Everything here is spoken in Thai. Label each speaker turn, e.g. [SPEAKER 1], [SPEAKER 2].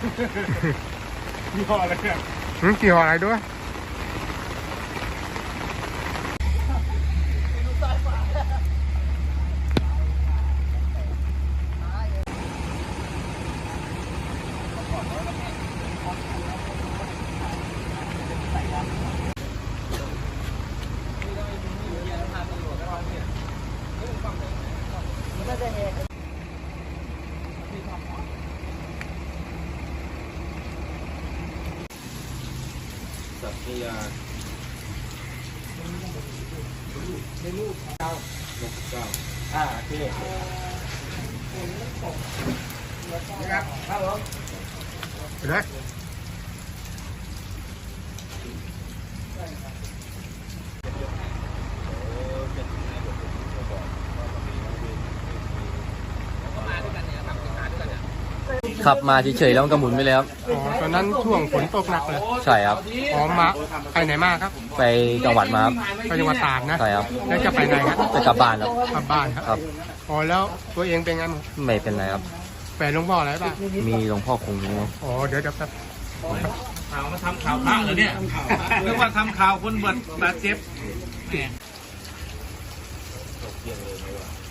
[SPEAKER 1] ยี่ห้ออะไรเนี่ย
[SPEAKER 2] กี่ห่ออะไรด้วย
[SPEAKER 1] สัตยาในลูกเก้าโอเคนะครับครับผม
[SPEAKER 2] ไปเลย
[SPEAKER 3] ขับมาเฉยๆแล้วมันก็หมุนไปแล้วครับ
[SPEAKER 2] อ๋อตอนนั้นช่วงฝนตกหนักเลย
[SPEAKER 3] ใช่ครับ
[SPEAKER 2] อ๋อมาไปไหนมาครับ
[SPEAKER 3] ไปจังหวัดมาครับ
[SPEAKER 2] ไปจังหวัดตากนะ
[SPEAKER 3] ใช่ครับ
[SPEAKER 2] แล้วจะไปไหนครับ
[SPEAKER 3] จะกลับบ้านครับ
[SPEAKER 2] กลับบ้านครับอ๋อแล้วตัวเองเป็นไงมั้ง
[SPEAKER 3] ไม่เป็นไรครับ
[SPEAKER 2] แฝดหลวงพ่ออะไรป่ะ
[SPEAKER 3] มีหลวงพ่อคงอยู่
[SPEAKER 2] อ๋อเดี๋ยวครับ
[SPEAKER 1] ข่าวมาทำข่าวพระเหรอเนี่ยนึกว่าทำข่าวคนบาดเจ็บ